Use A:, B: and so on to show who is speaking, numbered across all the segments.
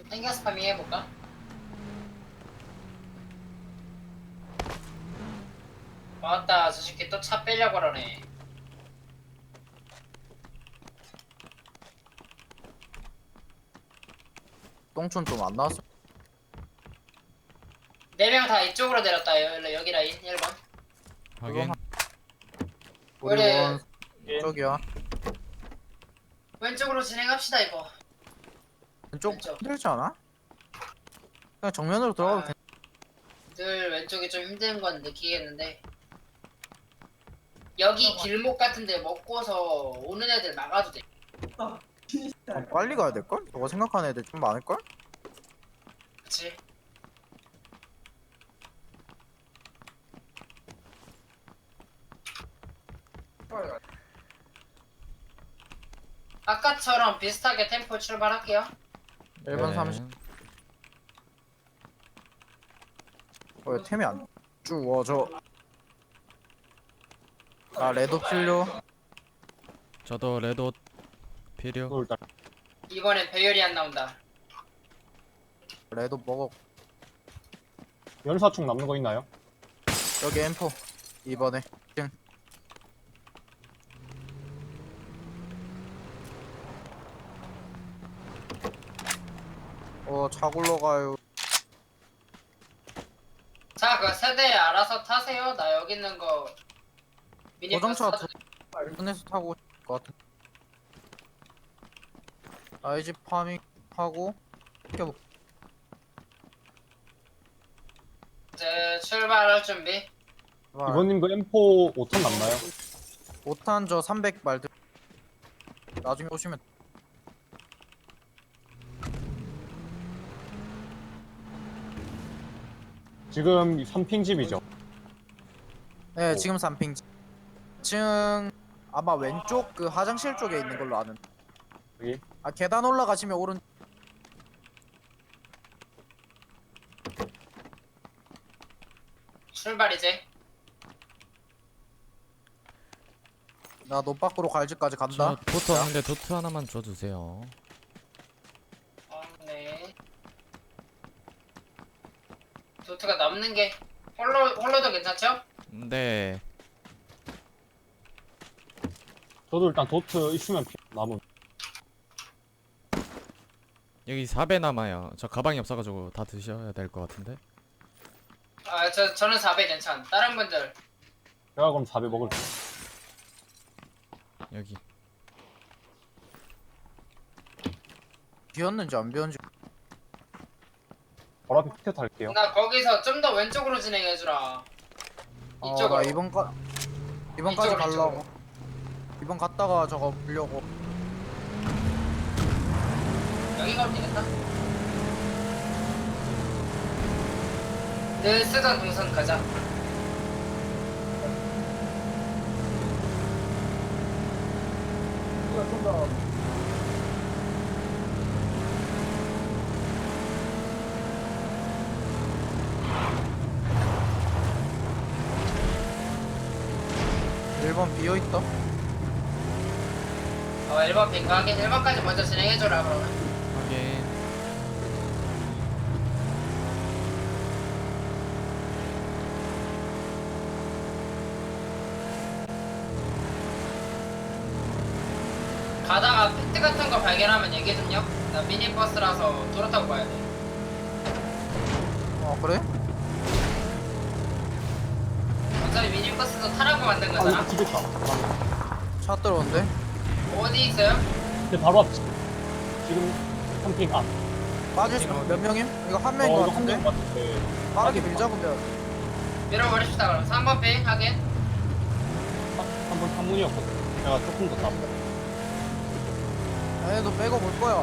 A: 생겨서 파밍 해볼까? 맞다, 저 새끼 또 차 빼려고 그러네.
B: 똥촌 좀 안 나왔어.
A: 4명 다 이쪽으로 내렸다. 여기 라인 1번.
C: 확인.
B: 우리
A: 우리-
B: 원 쪽이야.
A: 왼쪽으로 진행합시다 이거.
B: 왼쪽
A: 왼쪽.
B: 힘들지 않아? 그냥 정면으로 들어가도 돼.
A: 늘 왼쪽이 좀 힘든 건 느끼겠는데 여기 길목 같은데 먹고서 오는 애들 막아도 돼.
B: 빨리 가야 될걸? 너가 생각하는 애들 좀 많을걸?
A: 그치? 아까처럼 비슷하게 템포 출발할게요.
B: 1번
C: 네.
B: 30. 왜 템이 안 주워져? 나 레드 필요.
C: 저도 레드 필요.
D: 일단
A: 이번엔 배열이 안 나온다.
B: 레드 먹어.
D: 연사총 남는 거 있나요?
B: 여기 M4 이번에. 차 굴러가요.
A: 자, 그 세대 알아서 타세요. 나 여기 있는 거 미니버스
B: 고정차
A: 타도 돼.
B: 손에서 타고 올 것 같은. 나이집 파밍 하고 껴.
A: 이제 출발할 준비.
D: 이번님 그 M4 5턴 남나요?
B: 5탄 저 300 말들. 나중에 오시면.
D: 지금 3핑 집이죠.
B: 네, 지금 3핑. 지금 아마 왼쪽 그 화장실 쪽에 있는 걸로 아는.
D: 여기
B: 아, 계단 올라가시면 오른.
A: 출발 이제.
B: 나 너 밖으로 갈 집까지
C: 저
B: 간다.
C: 도트 왔는데 도트 하나만 줘주세요.
A: 네. 도트가 남는 게 홀로도 괜찮죠?
C: 네.
D: 저도 일단 도트 있으면 남은.
C: 여기 4배 남아요. 저 가방이 없어가지고 다 드셔야 될 것 같은데.
A: 아, 저는 4배 괜찮. 다른 분들
D: 제가 그럼 4배 먹을게요.
C: 여기.
B: 비었는지 안 비었는지.
D: 바로 앞에 피켓 할게요.
A: 나 거기서 좀 더 왼쪽으로 진행해주라. 이쪽으로.
B: 나 이번까지
A: 이쪽으로,
B: 가려고. 이번 갔다가 저거 보려고.
A: 여기 가면 되겠다. 늘 쓰던 동선 가자.
B: 일번 비어 있다.
A: 1번 빈가하게 1번까지 먼저 진행해줘라 그러면.
C: 확인.
A: 가다가 팩트 같은 거 발견하면 얘기 좀요. 나 미니버스라서 도로 타고 가야 돼.
B: 그래?
A: 어차피 미니버스도 타라고 만든
D: 아
A: 거잖아.
D: 여기 집 있다. 잠깐만.
B: 차 들어온대.
A: 어디 있어요?
D: 근데 바로 앞 집. 지금 3핑 앞.
B: 빠질 수 몇 명임? 이거 한 명인 것
D: 이거 한
B: 같은데?
D: 명 같은데.
B: 빠르게 밀자 근데.
A: 밀어버립시다 그럼. 3번 핑 하긴.
D: 한번 탐문이었거든. 제가 조금 더 땄어.
B: 얘도 빼고 볼 거야.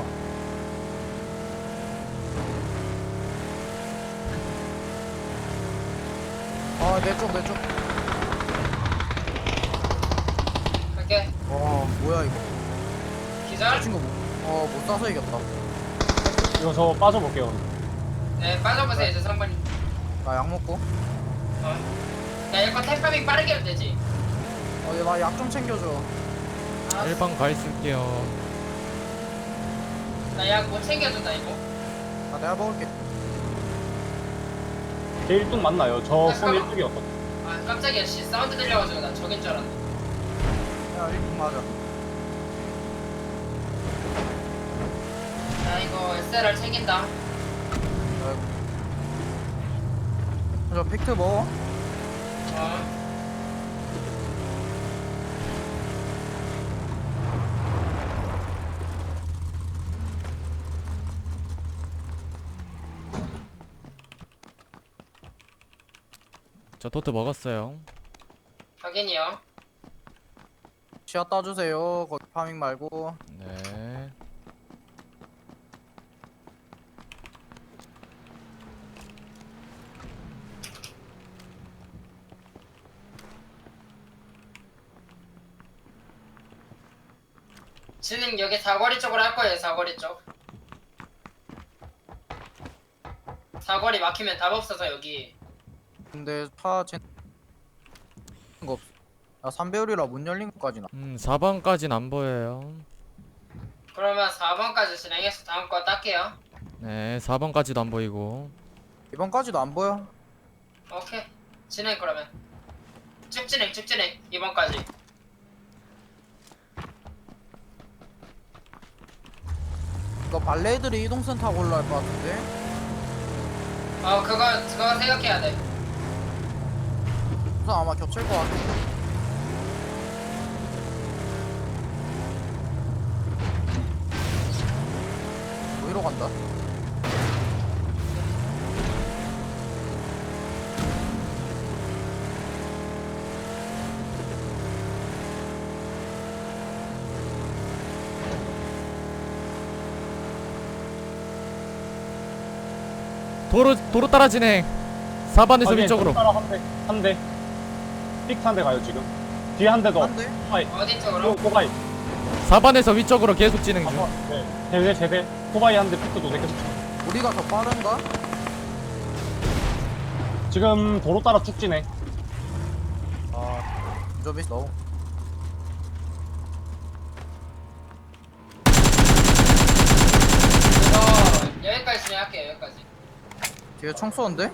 B: 내 쪽.
A: 갈게.
B: 뭐야 이거.
A: 기절.
B: 친구 못 쏴서 이겼다.
D: 이거 저 빠져볼게요.
A: 네, 빠져보세요 이제 3번이.
B: 나 약 먹고.
A: 야, 이거 템파밍 빠르게 하면 되지.
B: 나 약 좀 챙겨줘.
A: 아,
C: 1번 가 있을게요.
A: 나 약 못 챙겨준다 이거.
B: 아 내가 먹을게.
D: 제 1등 맞나요? 저 손
A: 잠깐만.
D: 1등이었거든.
A: 아 깜짝이야 씨 사운드 들려가지고 나 저긴 줄 알았네.
B: 야 1등 맞아.
A: 야 이거 SLR 챙긴다.
B: 저 팩트 먹어.
A: 어.
C: 저 토트 먹었어요.
A: 확인이요.
B: 시야 따주세요. 거기 파밍 말고.
C: 네.
A: 진행 여기 사거리 쪽으로 할 거예요. 사거리 쪽. 사거리 막히면 답 없어서 여기.
B: 근데 거 없어. 야 3배율이라 문 열린 것까지나.
C: 4번까진 안 보여요.
A: 그러면 4번까지 진행해서 다음 거 딸게요.
C: 네, 4번까지도 안 보이고.
B: 이번까지도 안 보여.
A: 오케이. 진행 그러면. 쭉 진행 쭉 진행. 2번까지.
B: 이거 발레들이 이동선 타고 올라갈 것 같은데.
A: 그거 생각해야 돼.
B: 우선 아마 겹칠 것 같아. 어디로 간다?
C: 도로 따라 진행. 4번에서 위쪽으로.
D: 따라 한 대. 픽트 한 대 가요 지금. 뒤에 한 대 더.
B: 안 돼?
D: 코바이.
A: 어디 쪽으로?
D: 코바이.
C: 4번에서 위쪽으로 계속 진행 중.
D: 네. 제대. 코바이 한 대, 픽트 두 대 계속.
B: 우리가 더 빠른가?
D: 지금 도로 따라 쭉 진행.
B: 좀 있어.
A: 이거 여기까지 진행할게요. 여기까지.
B: 뒤에 총 쏘는데?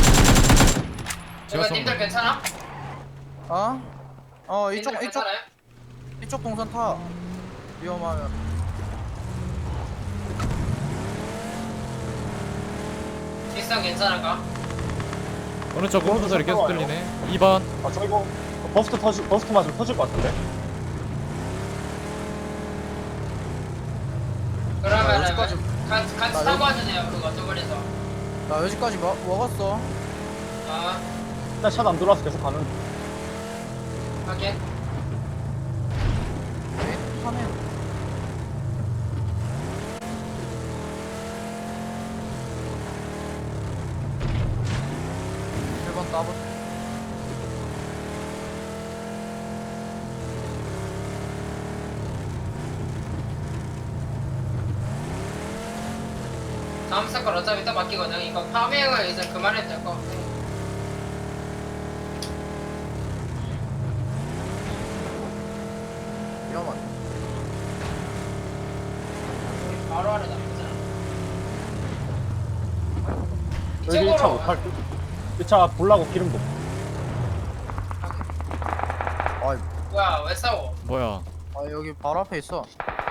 C: 제가
A: 이거 님들
C: 쏜다.
A: 괜찮아?
B: 이쪽
A: 님들
B: 이쪽
A: 괜찮아요?
B: 이쪽 동선 타. 위험하면.
A: 뒷선 괜찮은가?
C: 오른쪽 음소 소리 계속 들리네. 2번.
D: 저 이거 버스트 맞으면 터질 것 같은데.
A: 그러면은
B: 여기까지.
A: 같이
B: 나
A: 타고
B: 여기-
A: 와주세요. 그거 저번에서.
B: 나 여기까지 먹었어.
D: 일단 샷 안 들어와서 계속 가는.
A: 확인.
B: 하네. 일번 따보.
A: 다음 사건 어차피 또 바뀌거든. 이거 파밍을 이제 그만해도 될 것 같아.
B: 위험하네.
A: 바로 하려 나쁘잖아.
D: 여기 1차
A: 이쪽으로.
D: 못할 듯. 1차 볼라고 기름도.
B: 아,
A: 뭐야 왜 싸워?
C: 뭐야?
B: 여기 바로 앞에 있어.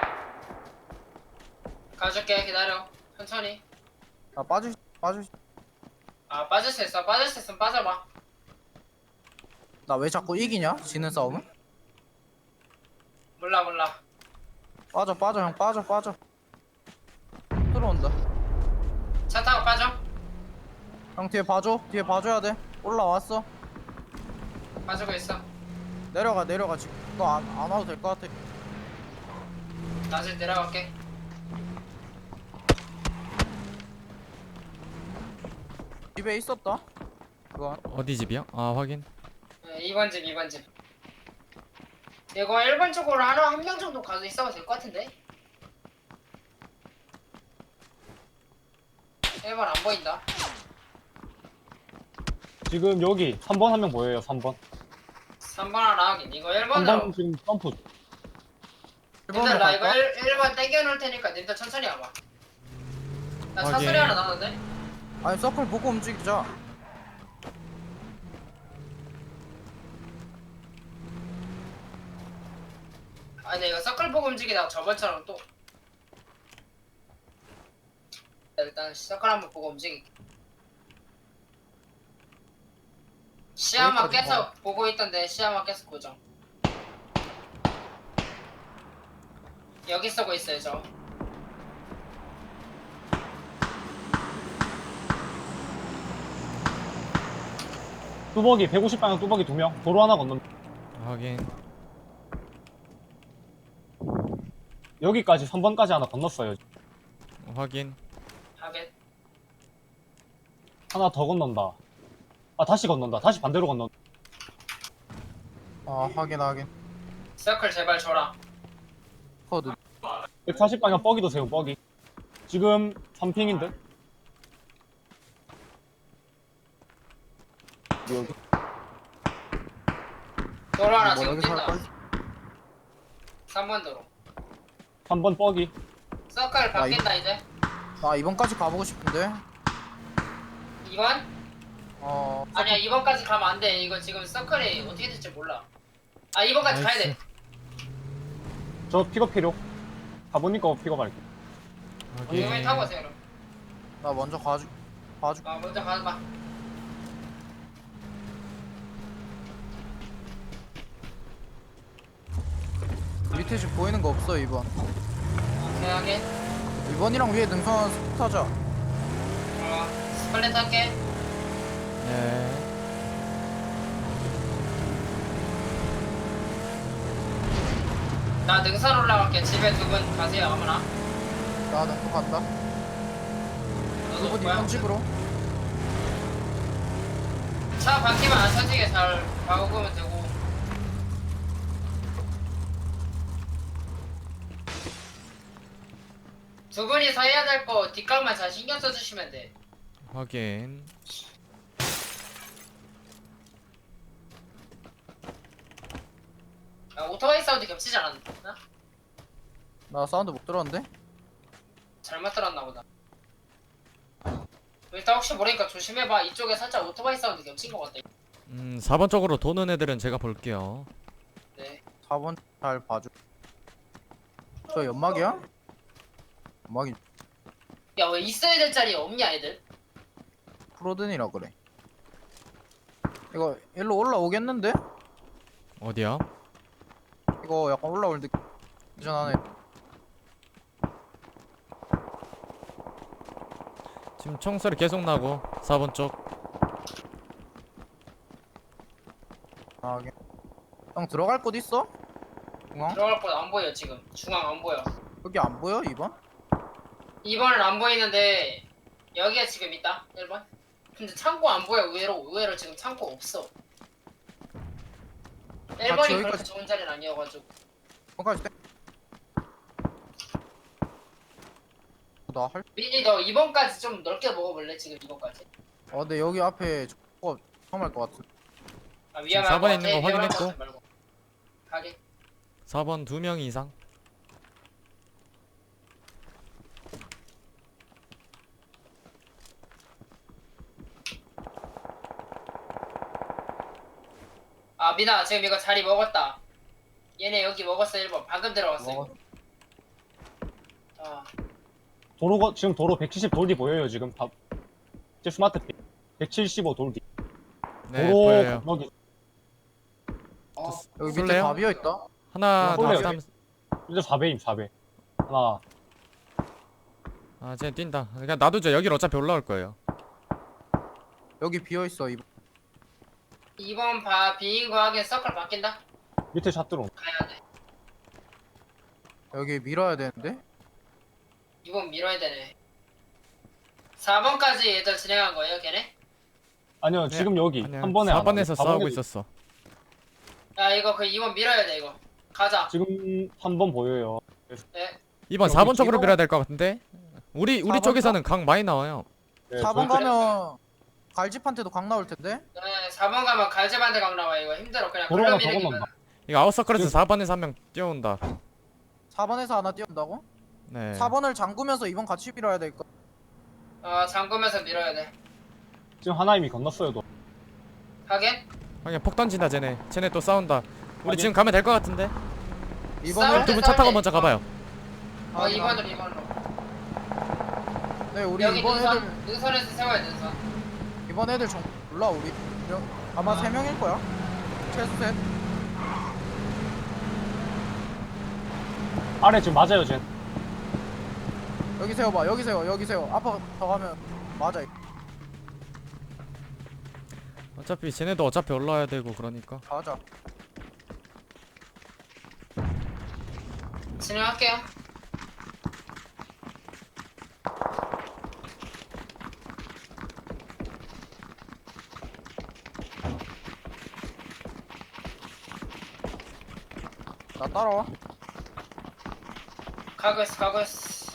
A: 가줄게 기다려. 천천히.
B: 나 빠질.
A: 빠질 수 있어. 빠질 수 있으면 빠져봐.
B: 나 왜 자꾸 이기냐? 지는 싸움은?
A: 몰라.
B: 빠져 형 빠져. 들어온다.
A: 차 타고 빠져.
B: 형 뒤에 봐줘야 돼. 올라왔어.
A: 빠지고 있어.
B: 내려가 지금. 너 안 와도 될 것 같아.
A: 다시 내려갈게.
B: 집에 있었다. 그거
C: 어디 집이야? 아, 확인.
A: 2번 집. 이거 1번 쪽으로 한 명 정도 가서 있어도 될 것 같은데? 1번 안 보인다.
D: 지금 여기 3번 한 명 보여요. 3번.
A: 3번 하나 하긴. 이거 1번으로.
D: 3번 지금 점프.
A: 님들 나 이거 1번 땡겨 놓을 테니까 님들 천천히 와봐. 나 차
C: 확인.
A: 소리 하나 나는데?
B: 아니 서클 보고 움직이자.
A: 아니 이거 서클 보고 움직이다가 저번처럼 또 일단 서클 한번 보고 움직일게. 시야만
B: 여기까지
A: 계속 보고 있던데 시야만 계속 고정. 여기 쏘고 있어요 저.
D: 뚜벅이 150방향 뚜벅이 2명. 도로 하나 건넌.
C: 확인.
D: 여기까지 3번까지 하나 건넜어요.
C: 확인.
A: 하긴
D: 하나 더 건넌다. 아 다시 건넌다. 다시 반대로 건넌다.
B: 아 확인.
A: 서클 제발 줘라.
B: 코드.
D: 140방향 뻐기도 세운 뻐기. 지금 3핑인데?
B: 여기.
A: 도로 하나
B: 뭐
A: 지금
B: 여기서
A: 뛴다.
B: 할걸?
A: 3번 도로.
D: 3번 뻐기.
A: 서클 바뀐다 이제.
B: 나 이번까지 가보고 싶은데.
A: 2번?
B: 어.
A: 아니야 2번까지 가면 안 돼. 이거 지금 서클이 어떻게 될지 몰라. 아 2번까지 가야 돼.
C: 나이스.
D: 저 픽업 필요. 가보니까 픽업할게.
C: 확인.
A: 이번에 타고 오세요 그럼.
B: 나 먼저 봐주.
A: 아 먼저 가봐.
B: 밑에 집 보이는 거 없어 이번.
A: 대하게.
B: 2번이랑 위에 능선 타자.
A: 스플릿 할게.
C: 네.
A: 나 능선 올라갈게. 집에 두 분 가세요 아무나.
B: 나는 또 간다.
A: 너도
B: 2번
A: 뭐야?
B: 2번 집으로.
A: 차 바퀴만 안 터지게 잘 박으면 되고. 두 분이서 해야 될 거 뒷각만 잘 신경 써주시면 돼.
C: 확인.
A: 아, 오토바이 사운드 겹치지 않았나?
B: 나 사운드 못 들었는데.
A: 잘못 들었나 보다. 일단 혹시 모르니까 조심해봐. 이쪽에 살짝 오토바이 사운드 겹친 것 같다.
C: 4번 쪽으로 도는 애들은 제가 볼게요.
A: 네.
B: 4번 잘 봐줘. 저 연막이야? 연막이
A: 야 왜 있어야 될 자리 없냐 애들?
B: 프로든이라 그래. 이거 일로 올라오겠는데?
C: 어디야?
B: 이거 약간 올라올 느 전하네.
C: 지금 총소리 계속 나고 4번 쪽.
B: 아, 형 들어갈 곳 있어? 중앙?
A: 들어갈 곳 안 보여 지금. 중앙 안 보여.
B: 여기 안 보여 2번?
A: 2번은 안 보이는데 여기에 지금 있다. 1번. 근데 창고 안 보여. 의외로 지금 창고 없어. 1번이 그렇게
B: 여기까지.
A: 좋은 자리는 아니어가지고.
B: 거기까지 떼. 나할
A: 미니 너 2번까지 좀 넓게 먹어볼래? 지금 2번까지.
B: 근데 여기 앞에 저거 처음 할 것 같은.
A: 아 위험할
C: 지금
A: 것
C: 4번에
A: 같아.
C: 있는 거
A: 위험할
C: 확인했고.
A: 것 같아 말고. 가게.
C: 4번 2명 이상.
A: 아 미나 지금 이거 자리 먹었다. 얘네 여기 먹었어 1번. 방금 들어갔어 이거. 아
D: 지금 도로 170 돌 뒤 보여요 지금. 제 스마트 픽. 175 돌 뒤.
C: 네,
D: 도로
C: 보여요.
D: 건너기.
B: 여기 밑에
C: 쏠래요?
B: 다 비어 있다.
C: 하나,
D: 쏠래요.
C: 둘, 3.
D: 이제 4배임 4배. 하나.
C: 아, 쟤 뛴다. 그냥 놔두죠. 여기로 어차피 올라올 거예요.
B: 여기 비어 있어 2번.
A: 2번 비인 거 하긴 서클 바뀐다.
D: 밑에 샷 들어온.
A: 가야 돼.
B: 여기 밀어야 되는데.
A: 2번 밀어야 되네. 4번까지 얘들 진행한 거예요 걔네?
D: 아니요
C: 네,
D: 지금 여기
C: 아니야.
D: 한 번에
C: 4번에서 싸우고
D: 4번에
C: 있었어.
A: 야 이거 그 2번 밀어야 돼 이거. 가자.
D: 지금 한 번 보여요.
A: 네.
C: 2번
B: 여기
C: 4번 쪽으로
B: 뒤로-
C: 밀어야 될 것 같은데? 우리
B: 4번
C: 쪽에서는 강 많이 나와요.
D: 네,
B: 4번
D: 저희
B: 가면 갈집한테도 강 나올 텐데.
A: 네 4번 가면 갈제반대 강 나와 이거 힘들어 그냥
D: 도로 하나 더
A: 걸러미는
D: 건넌다.
C: 이거 아웃서클에서 4번에서 한 명 뛰어온다.
B: 4번에서 하나 띄운다고?
C: 네.
B: 4번을 잠그면서 2번 같이 밀어야 될 거.
A: 잠그면서 밀어야 돼.
D: 지금 하나 이미 건넜어요. 너.
A: 하긴?
C: 그냥 폭 던진다 쟤네 또 싸운다. 우리
D: 확인.
C: 지금 가면 될 것 같은데.
B: 이번에
C: 두 분 차 타고 먼저 가봐요.
A: 2번으로.
B: 네 우리
A: 여기
B: 이번 애들
A: 능선에서 세워야 돼, 능선.
B: 이번 애들 좀 몰라 우리 아마 3명일 거야 최소 셋.
D: 아래 지금 맞아요, 쟤.
B: 여기 세워봐 여기 세워 앞으로 더 가면 맞아.
C: 어차피 쟤네도 어차피 올라와야 되고 그러니까.
B: 맞아.
A: 진행할게요.
B: 나 따라와.
A: 가고 있어.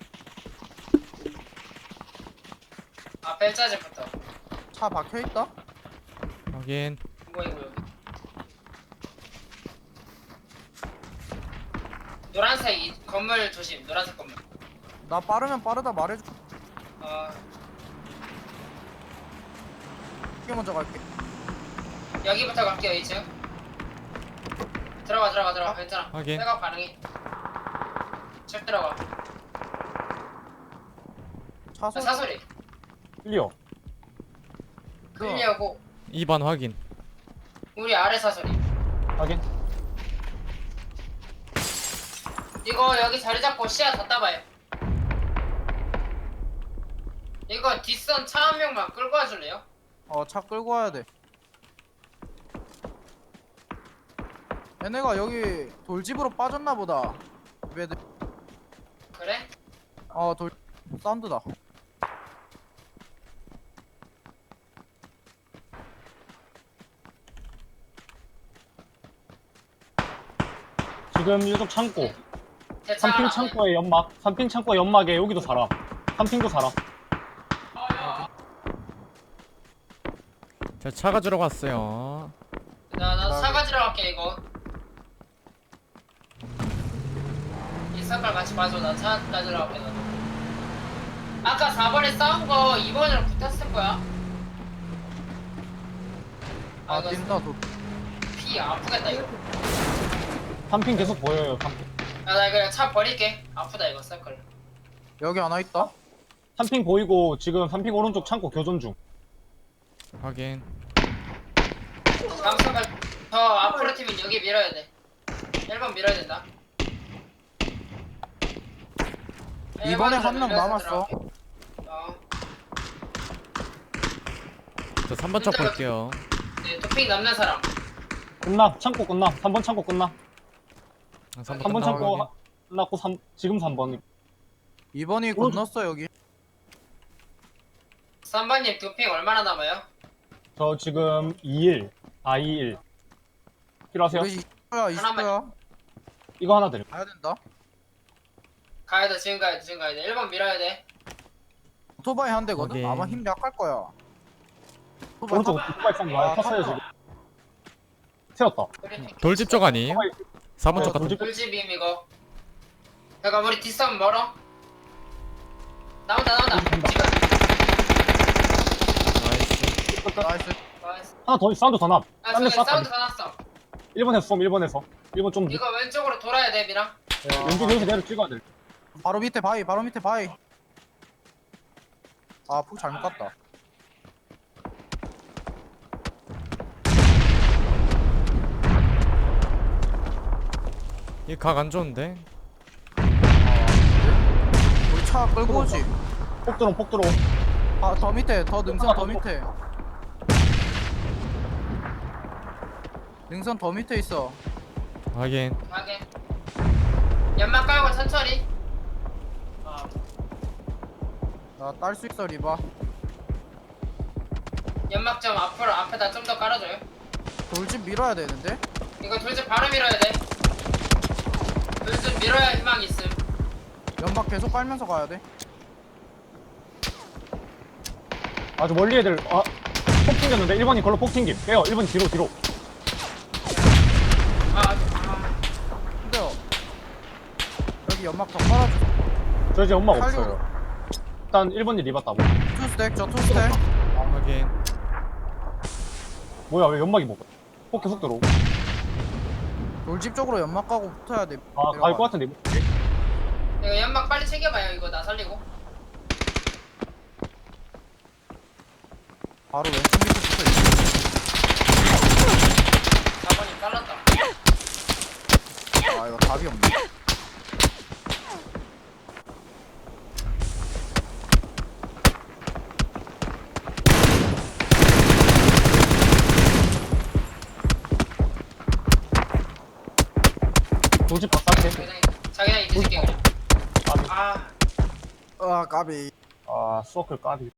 A: 벨자집부터.
B: 차 박혀있다.
C: 확인.
A: 뭐이고 여기. 노란색 이 건물 조심. 노란색 건물.
B: 나 빠르면 빠르다 말해줘. 이게 먼저 갈게.
A: 여기부터 갈게요. 2층. 들어가. 괜찮아.
C: 확인.
A: 백업 가능해. 쭉 들어가.
B: 차소
A: 사소리.
D: 클리어.
A: 클리어고
C: 2번 확인.
A: 우리 아래 사소리.
D: 확인.
A: 이거 여기 자리 잡고 시야 다 따봐요. 이거 뒷선 차 한 명만 끌고 와줄래요?
B: 차 끌고 와야 돼. 얘네가 여기 돌집으로 빠졌나 보다. 얘들
A: 그래?
B: 돌 사운드다.
D: 지금 이쪽 창고.
A: 대창
D: 3핑 창고에 연막. 3핑 창고에 연막에 여기도 사람. 3핑도 사람.
C: 자 차가 들어갔어요.
A: 나 사가지러 갈게 이거. 이 색깔 같이 봐줘. 나 차 가지러 갈게 나도. 아까 4번에 싸운 거 2번으로 붙었을 거야. 이거
B: 뛴다 돌.
A: 피 아프겠다 이거.
D: 3핑 계속 보여요, 3핑.
A: 나 이거 차 버릴게. 아프다 이거 서클.
B: 여기 하나 있다.
D: 3핑 보이고 지금 3핑 오른쪽 창고 교전 중.
C: 확인.
A: 다음 서클 더 앞으로 팀은 여기 밀어야 돼. 1번 밀어야 된다.
B: 이번에 한 명
A: 밀려서
B: 남았어.
A: 들어갈게.
C: 저 3번 쪽 볼게요.
A: 네, 도핑 남는 사람.
D: 끝나. 창고 끝나. 3번 창고 끝나.
C: 3번
D: 3번 창고
C: 확인.
D: 끝났고 지금 3번.
B: 2번이 건넜어 여기.
A: 3번님 도핑 얼마나 남아요?
D: 저 지금 2일. 2일. 필요하세요?
B: 우리 20초야 20초야.
D: 이거 하나 드릴게요.
B: 가야 된다.
A: 가야 돼, 지금 가야 돼. 1번 밀어야 돼.
B: 오토바이 한 대거든.
C: 오케이.
B: 아마 힘 약할 거야. 오토바이
D: 오른쪽 오토바이 상 많이 탔어요 지금. 세웠다.
C: 돌집 쪽 아니에요? 4번 쪽 같은.
D: 돌집
A: 돌집임 이거. 잠깐 우리 뒷선 멀어. 나온다. 지금.
C: 나이스.
B: 나이스.
A: 나이스.
D: 하나 더 사운드 더 남. 딴
A: 저기
D: 데 쐈다.
A: 사운드 다 났어.
D: 1번에서 쏨 1번에서. 1번 좀
A: 이거 왼쪽으로 돌아야 돼, 미랑.
D: 왼쪽 여기서 내려 찍어야 돼.
B: 바로 밑에 바위. 푹 잘못 갔다.
C: 이 각 안 좋은데.
B: 우리 차 끌고 오지.
D: 폭 들어.
B: 더 밑에 더 능선 더 밑에. 능선 더 밑에 있어.
C: 확인.
A: 가게. 연막 깔고 천천히.
B: 나 딸 수 있어 리바.
A: 연막 좀 앞에다 좀 더 깔아줘요.
B: 돌집 밀어야 되는데.
A: 이거 돌집 바로 밀어야 돼. 돌집 밀어야 희망 있음.
B: 연막 계속 깔면서 가야 돼.
D: 아주 멀리 애들 폭 튕겼는데 1번이 걸로 폭 튕김. 빼요. 1번 뒤로.
B: 근데요. 여기 연막 더 깔아줘.
D: 저 이제 엄마가
B: 칼리오.
D: 없어요. 일단 1번이 리봤다고.
B: 투스택 저 투스택.
C: 확인.
D: 뭐야 왜 연막이 먹어? 포켓 속 들어오고.
B: 돌집 쪽으로 연막 가고 붙어야 돼.
D: 아 갈 것 같은데.
A: 이거 연막 빨리 챙겨봐요. 이거 나 살리고.
B: 바로 왼쪽 밑에 붙어 있어.
A: 4번이 잘랐다.
B: 아 이거 답이 없네.
D: 돌집 바깥에.
A: 자기장이 뒤질게 그냥.
D: 까비.
A: 아
B: 아 까비.
D: 아 수어클 까비.